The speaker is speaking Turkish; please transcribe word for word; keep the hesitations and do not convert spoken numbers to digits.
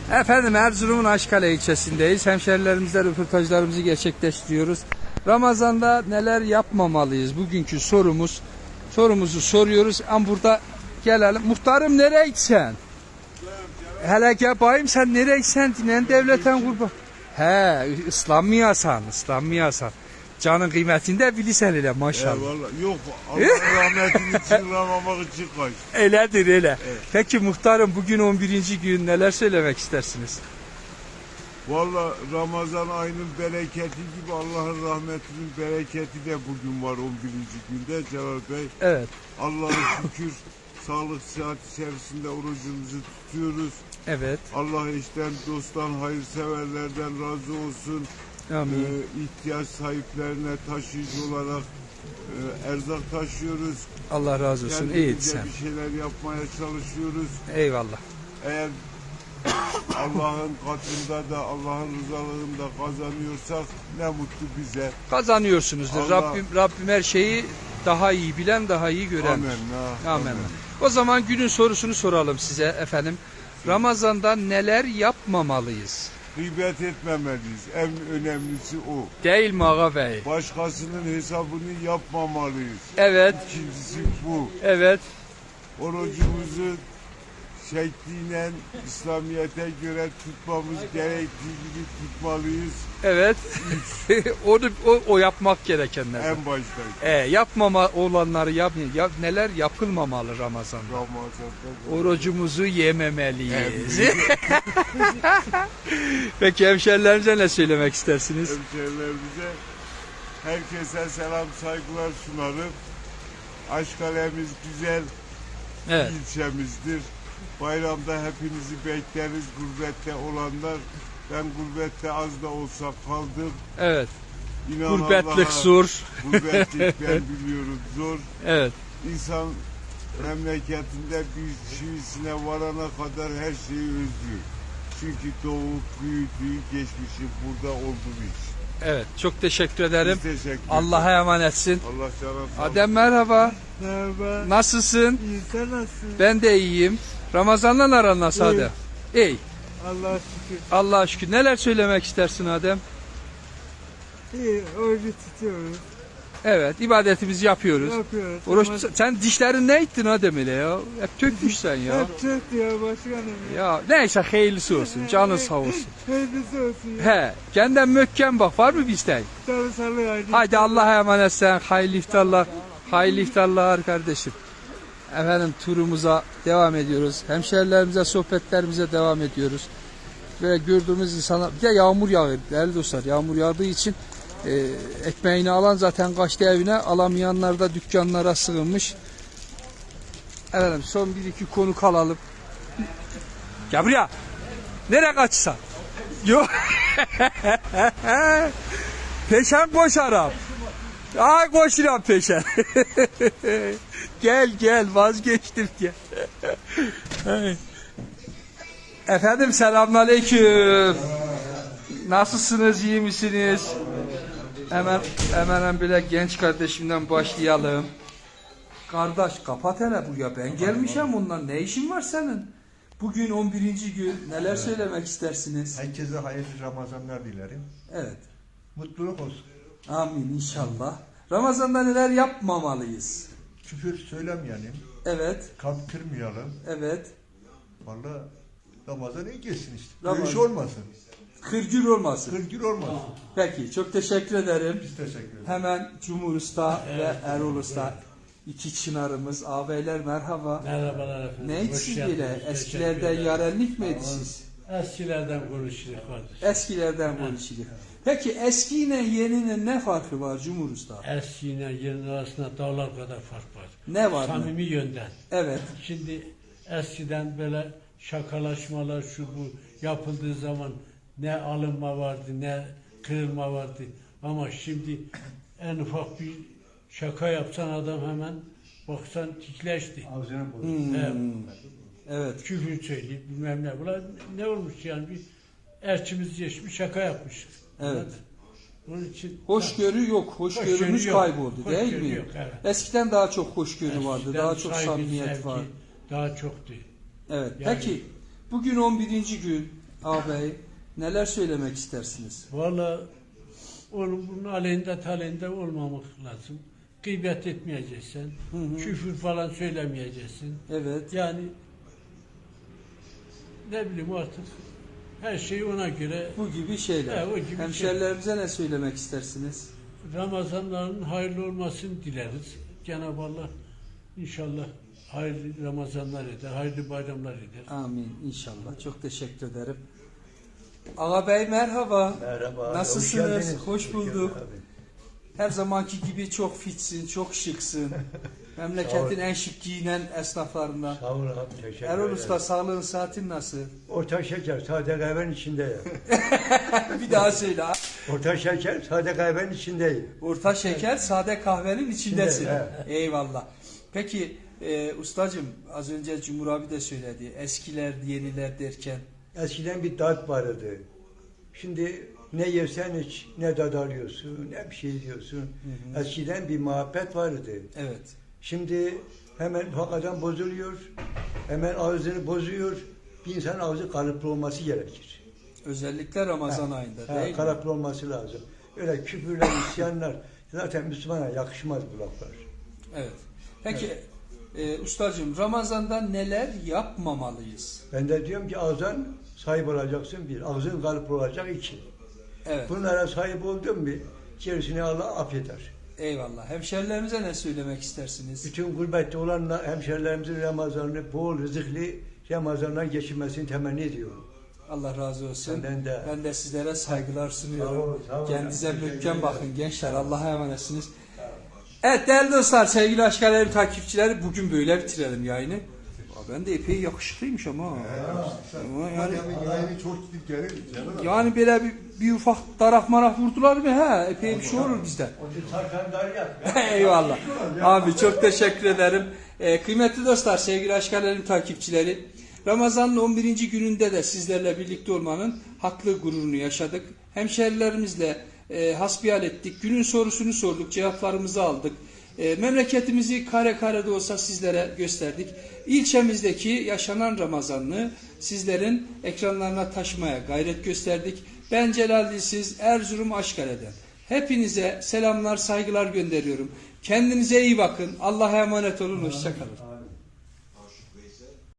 Efendim Erzurum'un Aşkale ilçesindeyiz. Hemşerilerimizle röportajlarımızı gerçekleştiriyoruz. Ramazan'da neler yapmamalıyız? Bugünkü sorumuz. Sorumuzu soruyoruz. Ama burada gelelim. Muhtarım nereye gitsen? Hele gel bayım sen nereye gitsen? Dinen devletten kurban. He, ıslanmayasan, ıslanmayasan. Canın kıymetini de bilirsen hele maşallah. Eyvallah. Yok Allah rahmetini çığıramamak için kaç. Öyledir öyle. Evet. Peki muhtarım bugün on birinci gün neler söylemek istersiniz? Valla Ramazan ayının bereketi gibi Allah'ın rahmetinin bereketi de bugün var on birinci günde Celal Bey. Evet. Allah'a şükür sağlık sıhhat içerisinde orucumuzu tutuyoruz. Evet. Allah eşten, dosttan, hayırseverlerden razı olsun. Amin. Ee, ihtiyaç sahiplerine taşıyıcı olarak e, erzak taşıyoruz. Allah razı olsun. İyi Kendimize sen. bir şeyler yapmaya çalışıyoruz. Eyvallah. Eğer Allah'ın katında da Allah'ın rızalığında kazanıyorsak ne mutlu bize. Kazanıyorsunuzdur. Allah- Rabbim Rabbim her şeyi daha iyi bilen, daha iyi gören. Amin. ha, Amin. O zaman günün sorusunu soralım size efendim. Ramazan'da neler yapmamalıyız? Gıybet etmemeliyiz. En önemlisi o. Değil mi ağa bey? Başkasının hesabını yapmamalıyız. Evet. İkincisi bu. Evet. Orucumuzu şekliyle İslamiyet'e göre tutmamız gerektiği gibi tutmalıyız. Evet. Onu o, o yapmak gerekenler. En başta. E, yapmama olanları yap, yap neler yapılmamalı Ramazan'da? Ramazan'da. Orucumuzu yememeliyiz. Evet. Peki hemşerilerimize ne söylemek istersiniz? Hemşehrilerimize herkese selam saygılar sunarım. Aşkale'miz güzel Evet. ilçemizdir. Bayramda hepinizi bekleriz gurbette olanlar. Ben gurbette az da olsa kaldım. Evet. İnan Gurbetlik Allah'a, zor. Gurbetlik ben biliyorum zor. Evet. İnsan memleketinde bir çivisine varana kadar her şeyi özlüyor. Çünkü doğup büyüdüğü geçmişi burada olduğu için. Evet. Çok teşekkür ederim. Biz teşekkür ederiz. Allah'a emanetsin. Allah canına sağ olsun. Adem merhaba. Merhaba. Nasılsın? İyi, sen nasılsın? Ben de iyiyim. Ramazan'la aran nasıl İyi. Adem? İyi. Allah'a şükür. Allah'a şükür. Neler söylemek istersin Adem? İyi, orucu tutuyoruz. Evet. ibadetimizi yapıyoruz. Yapıyoruz. Oruç, Ama sen dişlerin ne ettin Adem ile ya? Hep tökmüş sen ya. hep çok diyor başkanım. Ya. Ya neyse hayırlısı olsun. Canın sağ olsun. Hayırlısı olsun. Ya. He. Kendinden möhkem bak. Var mı bir isteğin? Sarı sarı haydi. Haydi Allah'a emanet sen. Hayırlı iftarlar. Hayırlı iftarlar kardeşim. Efendim turumuza devam ediyoruz. Hemşerilerimize, sohbetlerimize devam ediyoruz. Böyle gördüğümüz insanlar, bir de yağmur yağıyor değerli dostlar. Yağmur yağdığı için e, ekmeğini alan zaten kaçtı evine, alamayanlar da dükkanlara sığınmış. Efendim son bir iki konu kalalım. Gel buraya. Nereye kaçsan? Yok. Peşen koş Arap. Aa koşuram peşen. Gel gel vazgeçtim gel. Efendim selamünaleyküm. Nasılsınız, iyi misiniz? Hemen hemen bile genç kardeşimden başlayalım. Kardeş kapat hele buraya, ben gelmişim ondan, ne işin var senin? Bugün on birinci gün, neler söylemek istersiniz? Herkese hayırlı Ramazanlar dilerim. Evet. Mutluluk olsun. Amin inşallah. Ramazan'da neler yapmamalıyız? Küfür söylemeyelim. Evet. Kalp kırmayalım. Evet. Vallahi Ramazan iyi geçsin işte. Ramazan. Dövüş olmasın. Kırgür olmasın. Kırgır olmasın. Peki çok teşekkür ederim. Biz teşekkür ederiz. Hemen Cumhur Usta ve Erol Usta, iki çınarımız, ağabeyler merhaba. Merhabalar efendim. Ne Hoş içsin geldiniz. bile? Teşekkür Eskilerden ederim. yarenlik mi ediniz? Eskilerden konuşuruz kardeş. Eskilerden konuşulur. Peki eskiyle yeninin ne farkı var Cumhur Usta? Eskiyle yeni arasında dağlar kadar fark var. Ne var? Samimi yönden. Evet. Şimdi eskiden böyle şakalaşmalar şu bu yapıldığı zaman ne alınma vardı ne kırılma vardı. Ama şimdi en ufak bir şaka yapsan adam hemen baksan tikleşti. Hmm. Evet. Evet. Küfür söyleyip bilmem ne. Bunlar ne olmuş yani bir elçimiz geçmiş şaka yapmış. Evet. Onun için Hoşgörü yok. Hoşgörümüz Hoşgörü yok. kayboldu değil Hoşgörü mi? yok, evet. Eskiden daha çok hoşgörü vardı. eskiden Daha çok saygı, samimiyet sevgi var. Daha çoktu. Evet. Yani- Peki bugün on birinci gün ağabey neler söylemek istersiniz? Valla onun bunun aleyhinde taleyhinde olmamak lazım. Gıybet etmeyeceksin. Hı hı. Küfür falan söylemeyeceksin. Evet. Yani ne bileyim artık her şey ona göre. Bu gibi şeyler. He, o gibi Hemşerilerimize ne söylemek istersiniz? Ramazanların hayırlı olmasını dileriz. Cenab-ı Allah inşallah hayırlı Ramazanlar eder, hayırlı bayramlar eder. Amin inşallah. Çok teşekkür ederim. Ağabey merhaba. Merhaba. Nasılsınız? Hoş, geldiniz. Hoş bulduk. Hoş geldin Her zamanki gibi çok fitsin, çok şıksın. Memleketin en şık giyinen esnaflarından. abi. Sağ ol abi. Teşekkür Erol ederim. Usta sağlığın saatin nasıl? Orta şeker sade kahvenin içinde ya. Bir daha söyle. ha. Orta şeker sade kahvenin içindeyim. Orta şeker, sade kahvenin içindesin. İçinde, Eyvallah. Peki e, ustacığım az önce Cumhur abi de söyledi. Eskiler, yeniler derken. Eskiden bir tat vardı. Şimdi ne yersen hiç ne tad alıyorsun ne bir şey diyorsun. Hı hı. Eskiden bir muhabbet vardı. Evet. Şimdi hemen hakikaten bozuluyor. Hemen ağzını bozuyor. Bir insan ağzı kalıplı olması gerekir. Özellikle Ramazan Ha, ayında ha, değil mi? kalıplı olması lazım. Öyle küfürler, isyanlar zaten Müslümana yakışmaz bu laflar. Evet. Peki e, ustacığım Ramazan'da neler yapmamalıyız? Ben de diyorum ki ağzın sahip olacaksın bir, ağzın kalıplı olacak iki. Evet. Bunlara sahip oldun mu gerisini Allah affeder. Eyvallah. Hemşerilerimize ne söylemek istersiniz? Bütün gurbette olan hemşerilerimizin Ramazan'ını bol rızıklı Ramazan'dan geçirmesini temenni ediyorum. Allah razı olsun. Senden de. Ben de sizlere saygılar sunuyorum. Sağ olun, sağ olun. Kendinize Teşekkür mühkem ederim. bakın gençler. Allah'a emanetsiniz. Evet değerli dostlar, sevgili Aşkalerim takipçileri bugün böyle bitirelim yayını. Aa, ben de epey yakışıklıymış ama. Ama yani, Aynı çok gidip gelir. yani böyle bir, bir ufak darak marak vurdular mı? He, epey bir şey olur bizde. Onu sarkan dar yap. Eyvallah. Abi çok teşekkür ederim. Ee, kıymetli dostlar, sevgili Aşkalerim takipçileri. Ramazan'ın on birinci gününde de sizlerle birlikte olmanın haklı gururunu yaşadık. Hemşerilerimizle e, hasbihal ettik. Günün sorusunu sorduk, cevaplarımızı aldık. E, memleketimizi kare kare de olsa sizlere gösterdik. İlçemizdeki yaşanan Ramazan'ı sizlerin ekranlarına taşımaya gayret gösterdik. Ben Celal Dilsiz, Erzurum Aşkale'den. Hepinize selamlar, saygılar gönderiyorum. Kendinize iyi bakın. Allah'a emanet olun. Hoşça kalın.